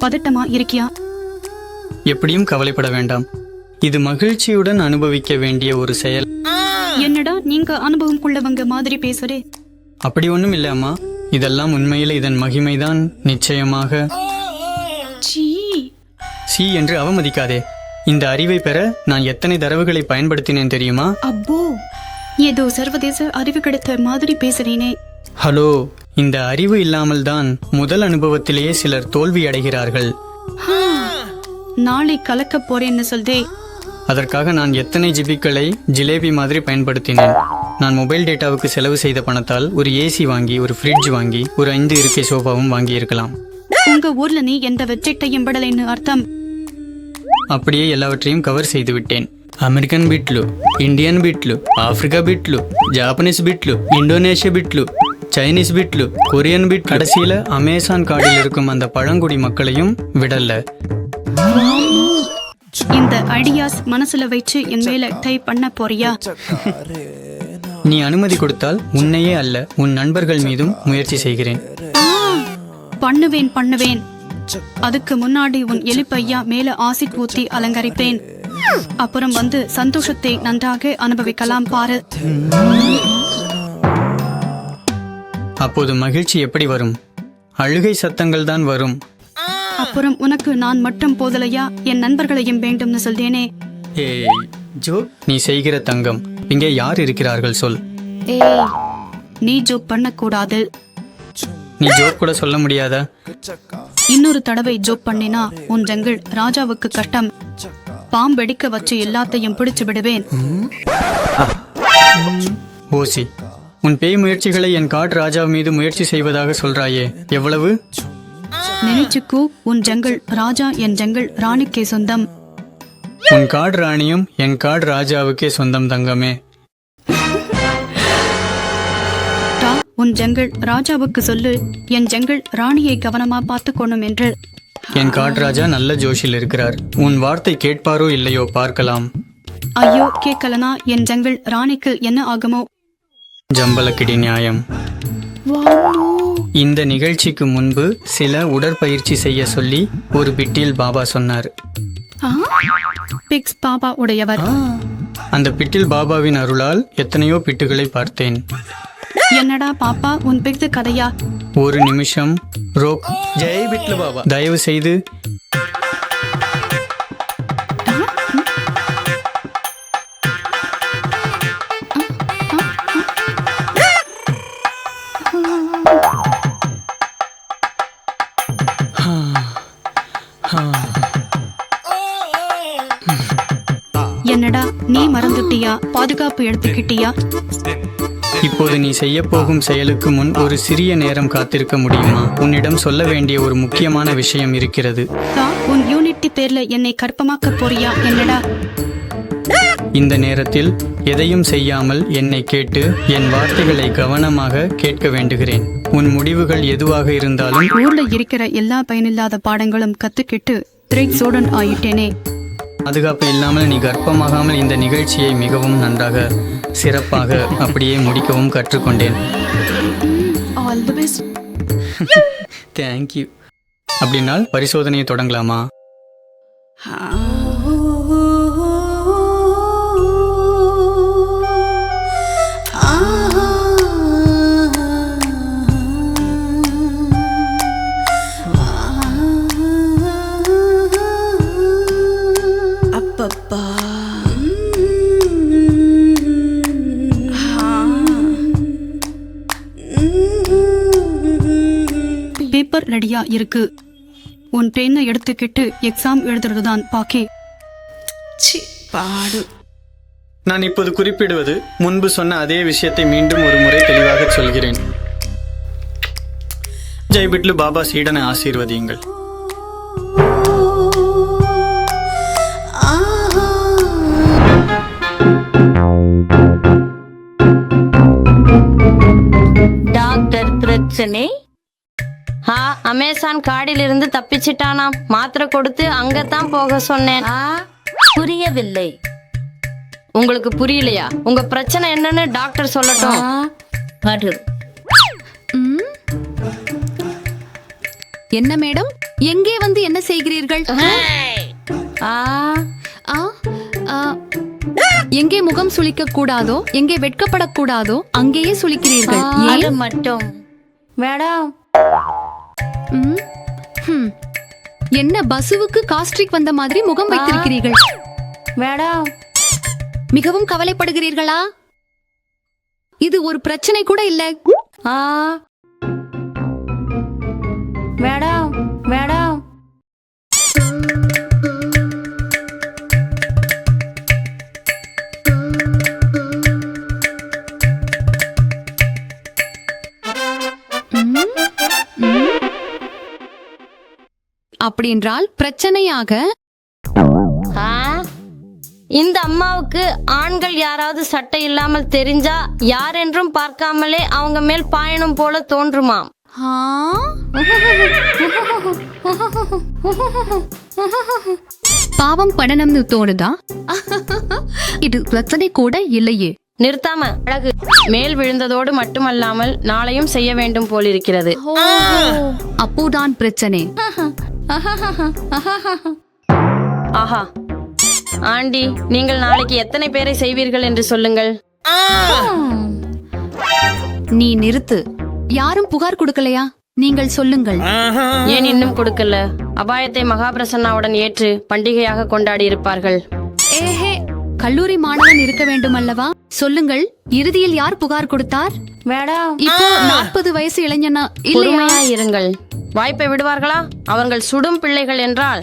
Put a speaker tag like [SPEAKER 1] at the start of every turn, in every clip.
[SPEAKER 1] பதட்டமா இருக்கியா?
[SPEAKER 2] எப்படியும் கவலைப்பட வேண்டாம். இது மகிழ்ச்சியுடன் அனுபவிக்க வேண்டிய ஒரு செயல்.
[SPEAKER 1] என்னடா நீங்க அனுபவம் கொள்ளவங்க மாதிரி பேசுறே?
[SPEAKER 2] அப்படி ஒண்ணும் இல்ல அம்மா. இதெல்லாம் உண்மையில இதன் மகிமைதான். நிச்சயமாக. சி என்று அவமதிக்காதே. இந்த அறிவை பெற நான் எத்தனை தரவுகளை பயன்படுத்தினேன் தெரியுமா?
[SPEAKER 1] அப்போ ஏதோ சர்வதேச அறிவு கிடைத்த மாதிரி பேசுறேனே.
[SPEAKER 2] ஹலோ, இந்த அறிவு இல்லாமல் தான் முதல் அனுபவத்திலேயே சிலர் தோல்வி அடைகிறார்கள்.
[SPEAKER 1] நாளை கலக்க போறேன்னு சொல்தே.
[SPEAKER 2] அதற்காக நான் எத்தனை ஜிபிக்களை ஜிலேபி மாதிரி பயன்படுத்தினேன். நான் மொபைல் டேட்டாவுக்கு செலவு செய்த பணத்தால் ஒரு ஏசி வாங்கி, ஒரு ஃப்ரிட்ஜ் வாங்கி, ஒரு 5 இருக்கை சோஃபாவும் வாங்கி இருக்கலாம்.
[SPEAKER 1] உங்க ஊர்ல நீ எந்த வெப்சைட்டையும் படலைன்னு அர்த்தம்.
[SPEAKER 2] அப்படியே எல்லாவற்றையும் கவர் செய்து விட்டேன். అమెరికన్ బిట్లు, ఇండియన్ బిట్లు, ఆఫ్రికా బిట్లు, ஜாப்பனீஸ் பிட்லு, இந்தோனேஷிய பிட்லு, சைனீஸ் பிட்லு, கொரியன் பிட், கடைசியில அமேசான் காடில் இருக்கும் அந்த பழங்குடி மக்களையும் விடல.
[SPEAKER 1] இந்த ஐடியாஸ் மனசுல வச்சு என் மேல டைப் பண்ண போறியா?
[SPEAKER 2] நீ அனுமதி கொடுத்தால் உன்னையே அல்ல, உன் நண்பர்கள் மீதும் முயற்சி செய்கிறேன்.
[SPEAKER 1] பண்ணுவேன். அதுக்கு முன்னாடி உன் எலிப்பையா மேல ஆசிட் ஊத்தி அலங்கரிப்பேன். அப்புறம் வந்து சந்தோஷத்தை நன்றாக அனுபவிக்கலாம் பாரு.
[SPEAKER 2] அப்போது மகிழ்ச்சி எப்படி வரும்? அழுகை சத்தங்கள் தான் வரும்.
[SPEAKER 1] அப்புறம் உனக்கு நான் மட்டும் போதலையா, என் நண்பர்களையும் வேண்டும்னு சொல்றேனே.
[SPEAKER 2] ஏய் ஜோ, நீ செய்கிற தங்கம். இங்கே யார் இருக்கிறார்கள் சொல்.
[SPEAKER 1] ஏய், நீ ஜோக் பண்ணக்கூடாது.
[SPEAKER 2] நீ ஜோக் கூட சொல்ல முடியாதா?
[SPEAKER 1] இன்னொரு தடவை ஜோக் பண்ணினா உன் ஜங்கிள் ராஜாவுக்கு கஷ்டம். பாம்பெடிக்க வச்சு எல்லாத்தையும் பிடிச்சு விடுவேன்.
[SPEAKER 2] ஓசி, உன் பேய் முயற்சிகளை என் காட் ராஜா மீது முயற்சி செய்வதாக சொல்றாயே, எவ்வளவு?
[SPEAKER 1] நினைச்சுக்கோ, உன் ஜங்கிள் ராஜா என் ஜங்கிள் ராணிக்கே சொந்தம்.
[SPEAKER 2] உன் காட் ராணியும் என் காட் ராஜாவுக்கே சொந்தம் தங்கமே.
[SPEAKER 1] உன் ஜங்கிள் ராஜாவுக்கு சொல்லு, என் ஜங்கிள் ராணியை கவனமா பார்த்துக்கணும் என்று.
[SPEAKER 2] என் காட் ராஜா நல்ல ஜோஷில் இருக்கிறார். உன் வார்த்தை கேட்பாரோ இல்லையோ பார்க்கலாம்.
[SPEAKER 1] ஐயோ, கேட்கலனா என் ஜங்கிள் ராணிக்கு என்ன ஆகுமோ?
[SPEAKER 2] ஜம்பலக்கிடி நியாயம். இந்த நிகழ்ச்சிக்கு முன்பு சில உடற்பயிற்சி செய்ய சொல்லி ஒரு பிட்டில் பாபா சொன்னார்.
[SPEAKER 1] பிக்ஸ் பாபா உடையவர்.
[SPEAKER 2] அந்த பிட்டில் பாபாவின் அருளால் எத்தனையோ பிட்டுகளை பார்த்தேன்.
[SPEAKER 1] என்னடா பாப்பா, உன் பிக்ஸ் கதையா?
[SPEAKER 2] ஒரு நிமிஷம் ரோக். ஜெய் பிட்லு பாபா, தயவு செய்து.
[SPEAKER 1] என்னடா நீ மறந்துட்டியா? பாதுகாப்பு எடுத்துக்கிட்டியா?
[SPEAKER 2] இப்போது நீ செய்ய போகும் செயலுக்கு முன் ஒரு சிறிய நேரம் காத்திருக்க முடியுமா? உன்னிடம் சொல்ல வேண்டிய ஒரு முக்கியமான விஷயம் இருக்கிறது.
[SPEAKER 1] உன் யூனிட்டி பேர்ல என்னை கற்பமாக்க போறியா? என்னடா?
[SPEAKER 2] இந்த நேரத்தில் எதையும் செய்யாமல் என்னை கேட்டு என் வார்த்தைகளை கவனமாக கேட்க வேண்டுகிறேன். உன் முடிவுகள் எதுவாக இருந்தாலும்.
[SPEAKER 1] ஊர்ல இருக்கிற எல்லா பயனில்லாத பாடங்களும் கத்துக்கிட்டு திரைக் சோடன் ஆயிட்டேனே.
[SPEAKER 2] பாதுகாப்பு இல்லாமல் நீ கர்ப்பமாகாமல் இந்த நிகழ்ச்சியை மிகவும் நன்றாக, சிறப்பாக அப்படியே முடிக்கவும் கற்றுக்கொண்டேன்.
[SPEAKER 1] All the best.
[SPEAKER 2] தேங்க்யூ. அப்படின்னால் பரிசோதனையை தொடங்கலாமா?
[SPEAKER 1] பேப்பர் ரெடியா இருக்கு. உன் ட்ரெயினை எடுத்துக்கிட்டு எக்ஸாம் எழுதுறதுதான் பாக்கி.
[SPEAKER 2] நான் இப்போது குறிப்பிடுவது முன்பு சொன்ன அதே விஷயத்தை மீண்டும் ஒரு முறை தெளிவாக சொல்கிறேன். ஜெய் பிட்லு பாபா சீடனை ஆசீர்வதியுங்கள்.
[SPEAKER 3] டாக்டர் பிரச்சனை. அமேசான் காடிலிருந்து தப்பிச்சிட்டானாம். மாத்திரை கொடுத்து அங்கத்தான் போக சொன்னேன்.
[SPEAKER 4] புரியவில்லை.
[SPEAKER 3] உங்களுக்கு புரியலையா? உங்க பிரச்சனை என்னன்னு டாக்டர் சொல்லட்டும்.
[SPEAKER 4] என்ன மேடம்?
[SPEAKER 5] எங்கே வந்து என்ன செய்கிறீர்கள்?
[SPEAKER 4] ஆ
[SPEAKER 5] ஆ, ஆ, எங்கே முகம் சுளிக்க கூடாதோ, எங்கே வெட்கப்படக்கூடாதோ அங்கேயே சுளிக்கிறீர்கள்.
[SPEAKER 4] அது
[SPEAKER 5] ஏன்?
[SPEAKER 4] மட்டும் மேடம்.
[SPEAKER 5] ம், ஹம். என்ன பசுவுக்கு காஸ்ட்ரிக் வந்த மாதிரி முகம் வைத்திருக்கிறீர்கள்?
[SPEAKER 4] மேடம்
[SPEAKER 5] மிகவும் கவலைப்படுகிறீர்களா? இது ஒரு பிரச்சனை கூட இல்ல.
[SPEAKER 4] ஆ மேடம் மேடம்
[SPEAKER 5] ம், ம். அப்படி என்றால் பிரச்சனையாக
[SPEAKER 3] ஆ? இந்த அம்மாவுக்கு ஆண்கள் யாராவது சட்டை இல்லாமல் தெரிஞ்சா யாரென்றும் பார்க்காமலே அவங்க மேல் பாயணும் போல தோன்றுமாம்.
[SPEAKER 5] ஆ? பாவம் படணும்னு தோணுதா? இது பிரச்சனை கூட இல்லையே.
[SPEAKER 3] நிறுத்தாம அழகு மேல் விழுந்ததோடு மட்டுமல்லாமல் நாளையும் செய்ய வேண்டும் போலிருக்கிறது.
[SPEAKER 5] அப்போதான் பிரச்சனை.
[SPEAKER 3] ஆஹா ஆண்டி, நீங்கள் நாளைக்கு எத்தனை பேரை செய்வீர்கள் என்று சொல்லுங்கள்.
[SPEAKER 5] நீ நிறுத்து. யாரும் புகார் கொடுக்கலையா? நீங்கள் சொல்லுங்கள்.
[SPEAKER 3] ஏன் இன்னும் கொடுக்கல? அபாயத்தை மகாபிரசன்னாவுடன் ஏற்று பண்டிகையாக கொண்டாடி இருப்பார்கள்.
[SPEAKER 5] ஏஹே, கல்லூரி மாணவன் இருக்க வேண்டும் அல்லவா? சொல்லுங்கள், இறுதியில் யார் புகார் கொடுத்தார்?
[SPEAKER 4] மேடம்
[SPEAKER 5] இப்போ 40 வயசு இளைஞனா இல்லையா?
[SPEAKER 3] பொறுமையா இருங்கள். வாய்ப்பை விடுவார்களா? அவர்கள் சுடும் பிள்ளைகள் என்றால்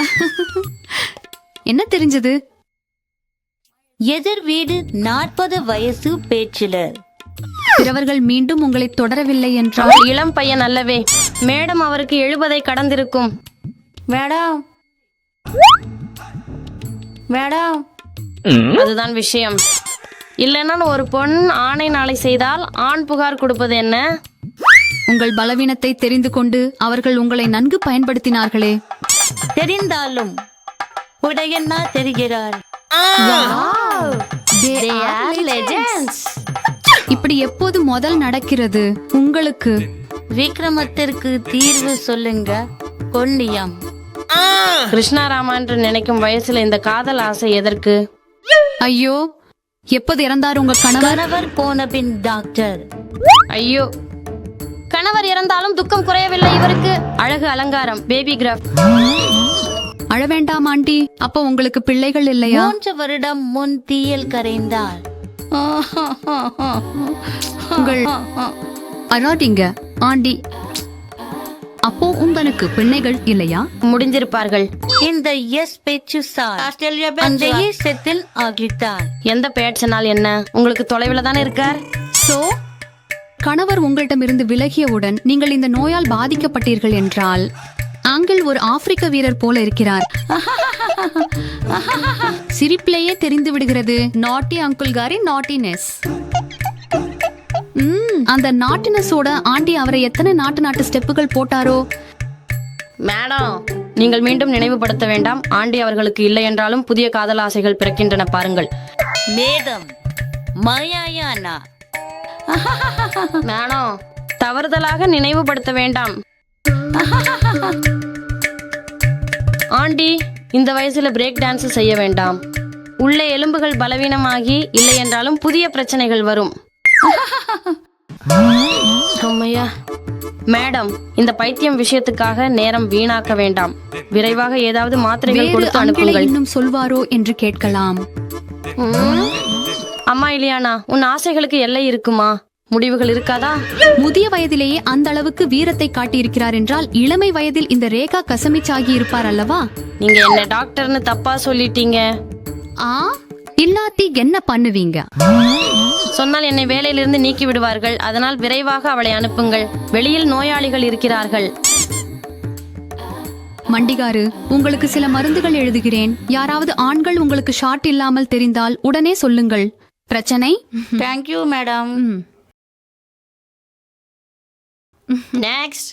[SPEAKER 5] என்ன தெரிஞ்சது?
[SPEAKER 4] எதிர் வீடு 40 வயசு பேச்சிலர்.
[SPEAKER 5] பிறவர்கள் மீண்டும் உங்களை தொடரவில்லை என்றால்
[SPEAKER 3] அவர் இளம் பையன் அல்லவே. மேடம் அவருக்கு 70 கடந்திருக்கும்.
[SPEAKER 4] மேடம் மேடம்
[SPEAKER 3] அதுதான் விஷயம். இல்லைன்னா ஒரு பொண் ஆணை நாளை செய்தால் ஆண் புகார் கொடுப்பது என்ன?
[SPEAKER 5] உங்கள் பலவீனத்தை தெரிந்து கொண்டு அவர்கள் உங்களை நன்கு பயன்படுத்தினார்களே.
[SPEAKER 4] தெரிந்தாலும் உடையண்ணா தெரிகிறார்.
[SPEAKER 5] They are legends. இப்படி எப்போது முதல் நடக்கிறது உங்களுக்கு?
[SPEAKER 4] விக்ரமத்திற்கு தீர்வு சொல்லுங்க. கொல்லியம்
[SPEAKER 3] கிருஷ்ணாராமா என்று நினைக்கும் வயசுல இந்த காதல் ஆசை எதற்கு?
[SPEAKER 5] ஐயோ, எப்போது இறந்தார் உங்க கணவர்?
[SPEAKER 4] கணவர் போன பின் டாக்டர்.
[SPEAKER 3] ஐயோ, கணவர் இறந்தாலும் துக்கம் குறையவில்லை இவருக்கு. அழகு அலங்காரம், பேபி கிராஃப்ட்.
[SPEAKER 5] அழ வேண்டாம் ஆண்டி. அப்போ உங்களுக்கு பிள்ளைகள் இல்லையா?
[SPEAKER 4] 3 வருடம் முன் தீயில் கரைந்தார்.
[SPEAKER 5] உங்கள் அழாதீங்க ஆண்டி. அப்போ உங்களுக்கு பிள்ளைகள் இல்லையா?
[SPEAKER 3] முடிஞ்சிருப்பார்கள்.
[SPEAKER 4] இந்த எஸ் பேச்சு சார் அந்த செத்தில் ஆகிட்டார்.
[SPEAKER 3] எந்த பேட்சனால் என்ன? உங்களுக்கு தொலைவில் தானே இருக்கார்.
[SPEAKER 5] சோ, கணவர் உங்களிடமிருந்து விலகியவுடன் நீங்கள் இந்த நோயால் பாதிக்கப்பட்டீர்கள் என்றால் ஆங்கிள் ஒரு ஆப்பிரிக்க வீரர் போல இருக்கிறார். சிரிப்பிலேயே தெரிந்து விடுகிறது நாட்டி அங்குள் காரி நாட்டினஸ். அந்த நாட்டினஸோட ஆண்டி அவரை எத்தனை நாட்டு ஸ்டெப்புகள் போட்டாரோ.
[SPEAKER 3] மேடம், நீங்கள் மீண்டும் நினைவுபடுத்த வேண்டாம். ஆண்டி அவர்களுக்கு இல்லை என்றாலும் புதிய காதல் ஆசைகள் பிறக்கின்றன பாருங்கள்.
[SPEAKER 4] மேடம் மயாயானா.
[SPEAKER 3] மேடம், தவறுதலாக நினைவுபடுத்த வேண்டாம். ஆண்டி, இந்த வயசுல பிரேக் டான்ஸ் செய்ய வேண்டாம். உள்ள எலும்புகள் பலவீனமாகி இல்லை என்றாலும் புதிய பிரச்சனைகள் வரும். அம்மையா. மேடம், இந்த பைத்தியம் விஷயத்துக்காக நேரம் வீணாக்க வேண்டாம். விரைவாக ஏதாவது மாத்திரைகள்
[SPEAKER 5] வேறு
[SPEAKER 3] கொடுத்து
[SPEAKER 5] அங்கிளை
[SPEAKER 3] அனுப்புங்கள்.
[SPEAKER 5] இன்னும் சொல்வாரோ என்று கேட்கலாம்.
[SPEAKER 3] அம்மா இலியானா, உன் ஆசைகளுக்கு எல்லை இருக்குமா? முடிவுகள் இருக்காதா?
[SPEAKER 5] முதிய வயதிலேயே அந்த அளவுக்கு வீரத்தை காட்டியிருக்கிறார் என்றால் இளமை வயதில் இந்த ரேகா கசமிச்சாகி இருப்பார் அல்லவா?
[SPEAKER 3] நீங்க என்ன டாக்டர்னு தப்பா சொல்லிட்டீங்க.
[SPEAKER 5] ஆ, இல்லாட்டி என்ன பண்ணுவீங்க?
[SPEAKER 3] சொன்னால் என்னை வேலையிலிருந்து நீக்கி விடுவார்கள். அதனால் விரைவாக அவளை அனுப்புங்கள். வெளியில் நோயாளிகள் இருக்கிறார்கள்.
[SPEAKER 5] மண்டிகாரு, உங்களுக்கு சில மருந்துகள் எழுதுகிறேன். யாராவது ஆண்கள் உங்களுக்கு ஷார்ட் இல்லாமல் தெரிந்தால் உடனே சொல்லுங்கள். பிரச்சனை?
[SPEAKER 4] Thank you madam.
[SPEAKER 3] Next.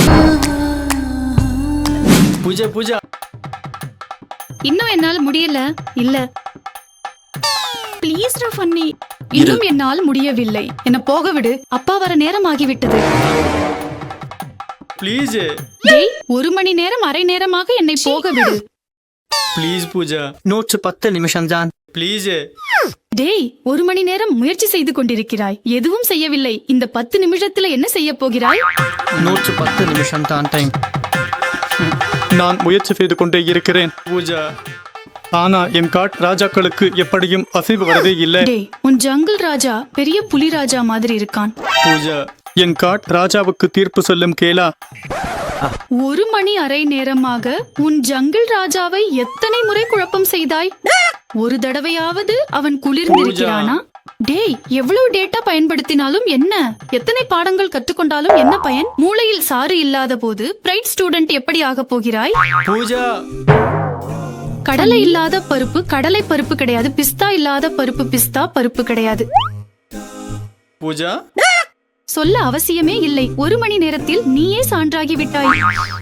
[SPEAKER 2] Pooja Pooja,
[SPEAKER 1] இன்னும் என்னால் முடியல. இல்ல ப்ளீஸ் ஃபன்னி, இன்னும் என்னால் முடியவில்லை. என்ன போக விடு. அப்பா வர நேரம் ஆகிவிட்டது.
[SPEAKER 2] ப்ளீஸ்
[SPEAKER 1] டேய், 1 மணி நேரம் அரை நேரமாக என்னை போக விடு.
[SPEAKER 2] ப்ளீஸ் பூஜா. நோட்ஸ் 10 நிமிஷம் தான். ப்ளீஸ்.
[SPEAKER 1] டேய், 1 மணி நேரம் முயற்சி செய்து கொண்டிருக்கிறாய், எதுவும் செய்யவில்லை. இந்த 10 நிமிஷத்துல என்ன செய்ய போகிறாய்?
[SPEAKER 2] நோட்ஸ் 10 நிமிஷம் தான் டைம்.
[SPEAKER 6] நான் முயற்சி செய்து கொண்டே இருக்கிறேன்
[SPEAKER 2] பூஜா.
[SPEAKER 6] ஆனா என் காட் ராஜாக்களுக்கு எப்படியும் அசைவு வரவே இல்லை.
[SPEAKER 1] டேய், உன் ஜங்கிள் ராஜா பெரிய புலி ராஜா மாதிரி இருக்கான்.
[SPEAKER 2] பூஜா.
[SPEAKER 6] என் காட் ராஜாவுக்கு தீர்ப்பு சொல்லும் கேளா.
[SPEAKER 1] 1 மணி அரை நேரமாக உன் ஜங்கிள் ராஜாவை எத்தனை முறை குழப்பம் செய்தாய்? ஒரு தடவையாவது அவன் குளிர்ந்திருக்கிறானா? டேய், எவ்வளவு டேட்டா பயன்படுத்தினாலும் என்ன, எத்தனை பாடங்கள் கற்றுக்கொண்டாலும் என்ன பயன்? மூளையில் சாறு இல்லாத போது பிரைட் ஸ்டூடெண்ட் எப்படி ஆக போகிறாய்?
[SPEAKER 2] பூஜா.
[SPEAKER 1] கடலை இல்லாத பருப்பு கடலை பருப்பு கிடையாது, பிஸ்தா இல்லாத பருப்பு பிஸ்தா பருப்பு கிடையாது.
[SPEAKER 2] பூஜா.
[SPEAKER 1] சொல்ல அவசியமே இல்லை. 1 மணி நேரத்தில் நீயே சான்றாகி விட்டாய்.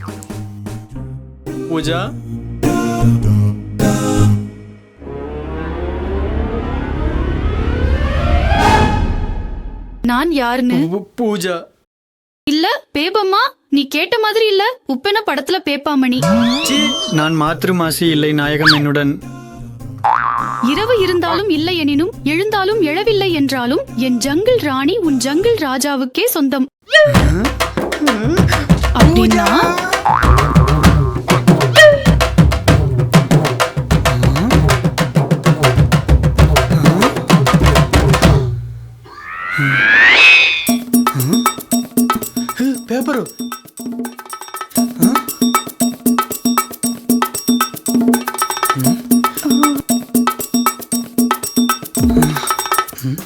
[SPEAKER 2] பூஜா.
[SPEAKER 1] நான் யாருன்னு?
[SPEAKER 2] பூஜா.
[SPEAKER 1] இல்ல பேபம்மா, நீ கேட்ட மாதிரி இல்ல. உப்பென படத்துல பேப்பாமணி.
[SPEAKER 2] சீ, நான் மாத்ருமாசி இல்லை நாயகம் என்னுடன்.
[SPEAKER 1] இரவு இருந்தாலும் இல்லை எனினும், எழுந்தாலும் எழவில்லை என்றாலும் என் ஜங்கிள் ராணி உன் ஜங்கிள் ராஜாவுக்கே சொந்தம். அப்படின்னா
[SPEAKER 2] பேப்பரு.